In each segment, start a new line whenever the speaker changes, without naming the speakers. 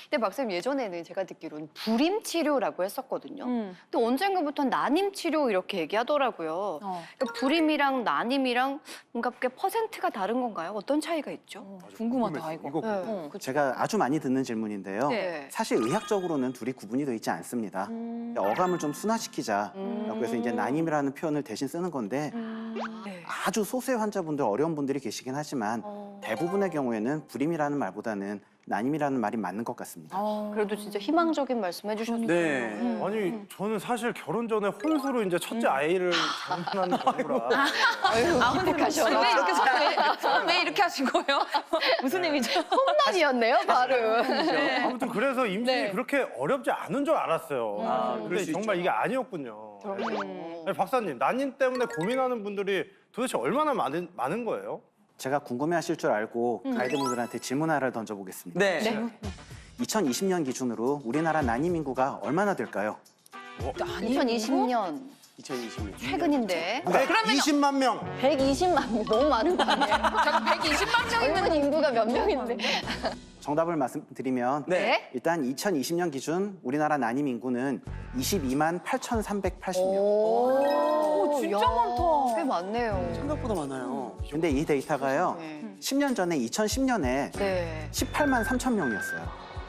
근데 박사님 예전에는 제가 듣기로는 불임 치료라고 했었거든요. 근데 언젠가부터 난임 치료 이렇게 얘기하더라고요. 그러니까 불임이랑 난임이랑 뭔가 꽤 퍼센트가 다른 건가요? 어떤 차이가 있죠?
궁금하다 이거.
네.
제가 아주 많이 듣는 질문인데요.
네.
사실 의학적으로는 둘이 구분이 되어 있지 않습니다. 어감을 좀 순화시키자라고 해서 이제 난임이라는 표현을 대신 쓰는 건데
네.
아주 소수의 환자분들, 어려운 분들이 계시긴 하지만 대부분의 경우에는 불임이라는 말보다는 난임이라는 말이 맞는 것 같습니다.
그래도 진짜 희망적인 말씀 해주셨네요.
네.
아니 저는 사실 결혼 전에 혼수로 이제 첫째 아이를 장만하는 경우라.
기특하셔라.
왜 이렇게 손을 왜 이렇게 하신 거예요? 무슨 의미죠?
홈런이었네요, 바로.
아무튼 그래서 임신이
네.
그렇게 어렵지 않은 줄 알았어요.
그럴
근데
수
정말
있죠.
이게 아니었군요. 아니, 박사님, 난임 때문에 고민하는 분들이 도대체 얼마나 많은 거예요?
제가 궁금해하실 줄 알고 가이드분들한테 질문 하나를 던져보겠습니다.
네.
2020년 기준으로 우리나라 난임 인구가 얼마나 될까요?
2020년
2020년.
최근인데
120만 명.
120만 명 너무 많은 거 아니에요?
잠깐 120만 명이면
젊은 인구가 몇 명인데?
정답을 말씀드리면
네.
일단 2020년 기준 우리나라 난임 인구는 22만 8,380명.
오,
진짜
야,
많다.
꽤 많네요.
생각보다 많아요.
근데 이 데이터가요.
네.
10년 전에 2010년에
네.
18만 3천 명이었어요.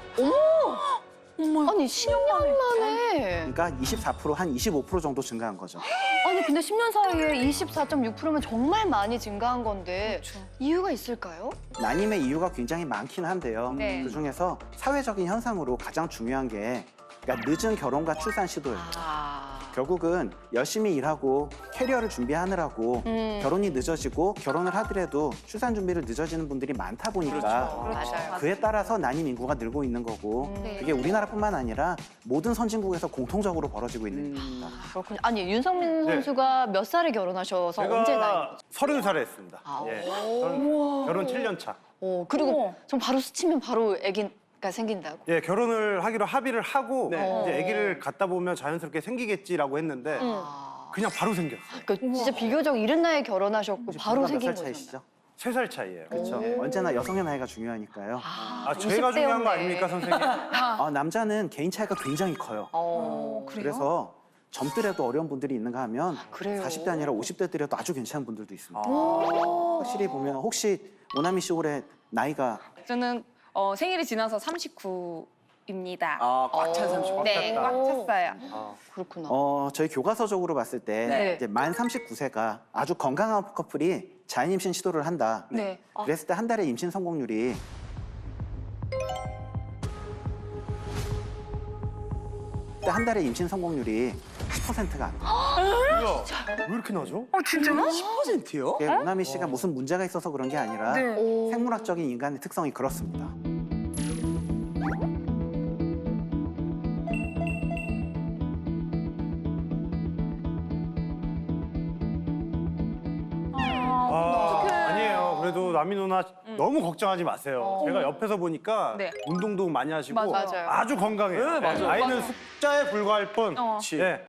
아니 10년 만에.
그러니까 24%, 한 25% 정도 증가한 거죠.
아니 근데 10년 사이에 24.6%면 정말 많이 증가한 건데
그렇죠.
이유가 있을까요?
난임의 이유가 굉장히 많긴 한데요.
네.
그중에서 사회적인 현상으로 가장 중요한 게 그러니까 늦은 결혼과 출산 시도예요. 결국은 열심히 일하고 캐리어를 준비하느라고 결혼이 늦어지고 결혼을 하더라도 출산 준비를 늦어지는 분들이 많다 보니까
맞아요.
그에 따라서 난임 인구가 늘고 있는 거고
네.
그게 우리나라뿐만 아니라 모든 선진국에서 공통적으로 벌어지고 있는 일입니다.
그렇군요. 아니 윤성민
네.
선수가 몇 살에 결혼하셔서 언제 나이?
제가 30살에 했습니다.
아,
예. 결혼 7년 차.
그리고 좀 바로 스치면 바로 아기가 생긴다고.
예, 결혼을 하기로 합의를 하고
네.
이제 아기를 갖다 보면 자연스럽게 생기겠지라고 했는데 그냥 바로 생겼어요.
그러니까 진짜 비교적 이른 나이에 결혼하셨고 바로
몇살
생긴 거잖아요.
차이시죠?
3살 차이예요.
그렇죠. 언제나 여성의 나이가 중요하니까요.
아, 제가 중요한 거 아닙니까, 선생님?
남자는 개인 차이가 굉장히 커요. 그래서 젊더라도 어려운 분들이 있는가 하면
그래요?
40대 아니라 50대들이라도 아주 괜찮은 분들도 있습니다. 확실히 보면 혹시 오나미 씨 올해 나이가
저는 생일이 지나서 39입니다.
아, 꽉 찬 30.
네, 꽉 찼어요.
그렇구나.
저희 교과서적으로 봤을 때
네.
이제 만 39세가 아주 건강한 커플이 자연 임신 시도를 한다.
네.
그랬을 때 한 달에 임신 성공률이 한 달에 임신 성공률이 10%가 안 돼요.
뭐야, 왜 이렇게 나죠?
10%요?
이게 오나미 씨가 무슨 문제가 있어서 그런 게 아니라
오.
생물학적인 인간의 특성이 그렇습니다.
아니에요. 그래도 나미 누나 너무 걱정하지 마세요. 제가 옆에서 보니까
네.
운동도 많이 하시고
맞아요.
아주 건강해요.
네, 맞아요.
아이는 숫자에 불과할 뿐.
어.
네,